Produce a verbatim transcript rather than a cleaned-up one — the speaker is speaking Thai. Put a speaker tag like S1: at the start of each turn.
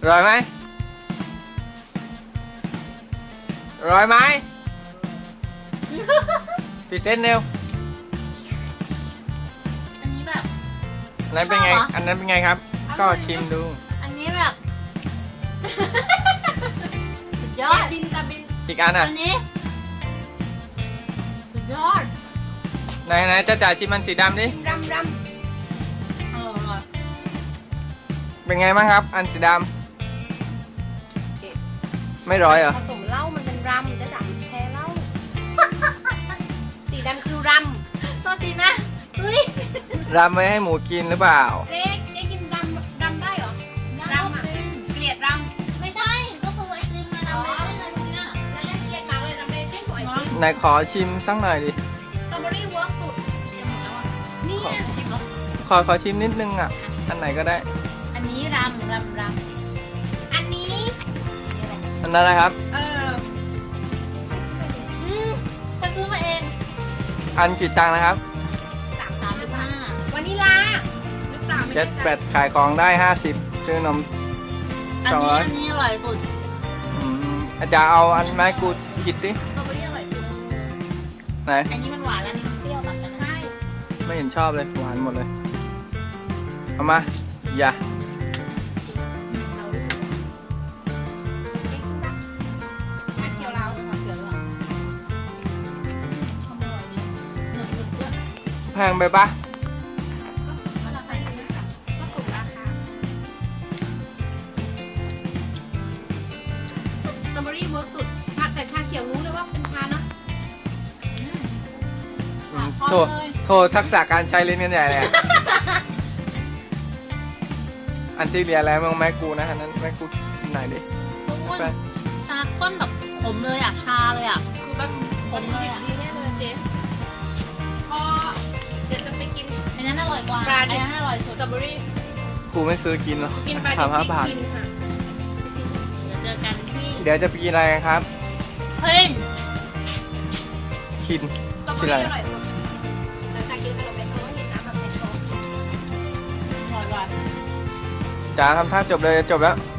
S1: ร่อยไหมอร่อยไหมพิเศษเร็ว
S2: อันนี้แบบ
S1: อันนั้นเป็นไง
S2: ชอบเหรอ
S1: อันนั้นเป็นไงครับ ก็ชิมดู
S2: อันนี้แบบสุดยอด
S3: บินตะบิน
S1: อีกอันอ่ะ
S2: อันนี้สุดยอด
S1: ไหนไหนจะจ่ายชิมมันสีดำดิ
S3: รำร
S2: อร่อย
S1: เป็นไงบ้างครับ อันสีด
S3: ำ
S1: ำไม่ร้อยเหรอ
S3: ผสมเหล้ามันเป็นรำจะจับแพ้เหล้า สีดำคือร
S2: โทษทีนะเฮ้ย
S1: รำไม่ให้หมูกินหรือเปล่า
S3: ำเจ๊เจ๊กินรำรำได้เหรอ
S2: น้ำไอติม
S3: เกลียดร
S2: ไม่ใช่ก็คือไอติมมาทำอะไรอะไรพวกเนี้ย
S3: ำแล้วยังเกลียดมากเลยรำเลยที่หอยติม
S1: ไหนขอชิมสักหน่อยดิ
S3: สตรอเบอรี่เวิร์กสุด
S2: จะหมดแล้วอ่ะ
S3: เนี่ย
S2: ชิมเหรอ
S1: ขอขอชิมนิดนึงอ่ะ อันไหนก็ได้
S2: อันนี้รำรำร
S3: อันนี้
S1: อันนั้นอะไรครับ
S3: เออ
S2: ำอืมฉันซื้อมาเอง
S1: อันกี่ตังค์นะครับ
S3: สาม
S2: สามสิบห้าว
S3: านิลาหรือเปล่าไม่
S1: เจ็
S3: แน่
S1: ด
S3: ใจ
S1: แปดขายของได้ห้าสิบซื้อนม
S2: อัน
S1: สอง
S2: นี้
S1: ร้อย
S2: อันนี้อร่อยสุด
S1: อืมอาจารย์เอาอันไม้กูคิดดิ
S3: สตรอเบอรี่อร่อยสุด
S1: ไหน
S2: อันนี้มันหวานแล้วอันนี้มันเปรี้ยวตัดกัน
S3: ใช่
S1: ไม่เห็นชอบเลย หวานหมดเลย เอามา อย่า
S3: เราดูเอ๊ะคุณดำไม่เคียวเรา
S2: เอาเลยค่ะเดี๋ยวก่อนทำอร่อยดีหนึบหนึบด้วย
S1: แพงไปปะ
S3: ก็เราใส่เยอะค่ะก็สูงราคาสตรอเบอรี่เวิร์กสุดชาแต่ชาเขียวรู้เลยว่าเป็นชาเนาะ
S2: อืม
S1: อืม
S2: ขอ
S1: โทษ
S2: เลย
S1: โทษทักษะการใช้ลิ้นกันใหญ่เลยอะอันที่เรียนแล้วมึงไม้กูนะอันนั้นไม้กูกินไหนอยดิ
S2: ทุกคน
S1: ไป
S2: ชาข้นแบบขมเลยอ่ะ ชาเลยอ่ะ
S3: คือแบบผมดิบดีแน่เลยเจ๊พอเดี๋ยวจะไปกิน
S2: อันนั้นอร่อยกว่า
S3: ปลา
S2: อัน
S3: ดิบ
S2: นั้นอร่อยสุ
S3: ส
S2: ด
S3: ตรอเบอรี่
S1: กูไม่ซื้อกินหรอก
S3: กินปลาดิ
S1: สาม
S3: บ
S1: ห้า
S3: ที่
S1: บาท
S3: กินค่ะ
S2: เดี๋ยวเจอกันที่
S1: เดี๋ยวจะไปกินอะไรกันครับ
S2: เฮ้ย
S1: คิน
S3: สตรอเบอ
S1: ชื่ออะไร
S3: รี่อร่อยสุดหลังจากกินขนมเบโซ่กินน้ำแบบเบโซ่
S2: อร่อยกว่า
S1: จ๋าทำท่าจบเลยจะจบแล้ว